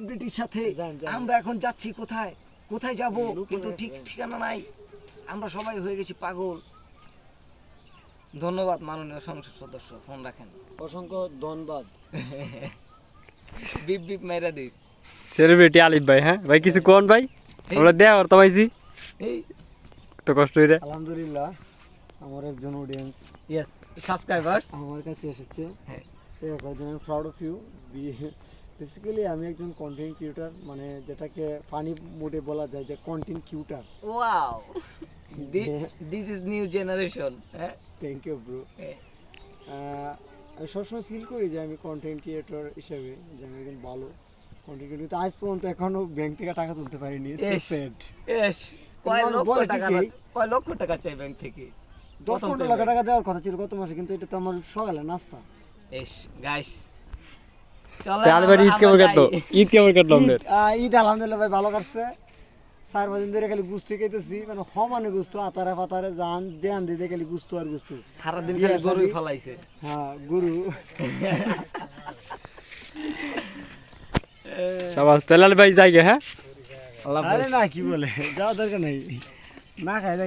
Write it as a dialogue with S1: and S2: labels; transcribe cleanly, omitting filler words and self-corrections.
S1: সেলিব্রিটির সাথে আমরা এখন যাচ্ছি কোথায় কোথায় যাব কিন্তু ঠিক ঠিকানা নাই আমরা সবাই হয়ে গেছি পাগল ধন্যবাদ মাননীয় সংসদ সদস্য ফোন রাখেন
S2: অসংখ্য ধন্যবাদ
S1: বিপ বিপ মেরা দিস
S3: সেলিব্রিটি আলিফ ভাই হ্যাঁ ভাই কিছু কোন ভাই আমরা দেয়া করতে পাইছি
S1: এই
S3: তো কষ্ট হইরে
S2: আলহামদুলিল্লাহ আমার একজন অডিয়েন্স
S1: ইয়েস সাবস্ক্রাইবার্স
S2: আমার কাছে এসেছে
S1: হ্যাঁ
S2: এর জন্য প্রাউড অফ ইউ বেসিক্যালি আমি একজন কন্টেন্ট ক্রিয়েটর মানে যেটাকে ফানি মোডে বলা যায় যে content creator
S1: wow this is new generation হ্যাঁ
S2: থ্যাংক ইউ ব্রো আমি সবসময় ফিল করি যে আমি কন্টেন্ট ক্রিয়েটর হিসেবে যে আমি একজন ভালো কন্টেন্ট ক্রিয়েটর আজ পর্যন্ত এখনো ব্যাংক থেকে টাকা তুলতে পারিনি
S1: এস কয় লক্ষ টাকা চাই ব্যাংক থেকে
S2: 10-15 লাখ টাকা দেওয়ার কথা ছিল গত মাসে কিন্তু এটা তো আমার সকালে নাস্তা
S1: এস গাইস
S3: আলিফ ঈদ কেমন কাটলো ঈদ কেমন কাটলো আমাদের
S2: ঈদ আলহামদুলিল্লাহ ভাই ভালো কাটছে 4 দিন ধরে খালি গুস্ত খাইতেছি মানে সমানে গুস্ত আতারে পাতারে জান জান দিতে খালি গুস্ত আর গুস্ত
S1: সারা দিন খালি গরু ফলাইছে
S2: হ্যাঁ গরু
S3: শাবাশ তেলাল ভাই যাই গে হ্যাঁ
S2: আরে না কি বলে যাওয়া দরকার নাই না খাই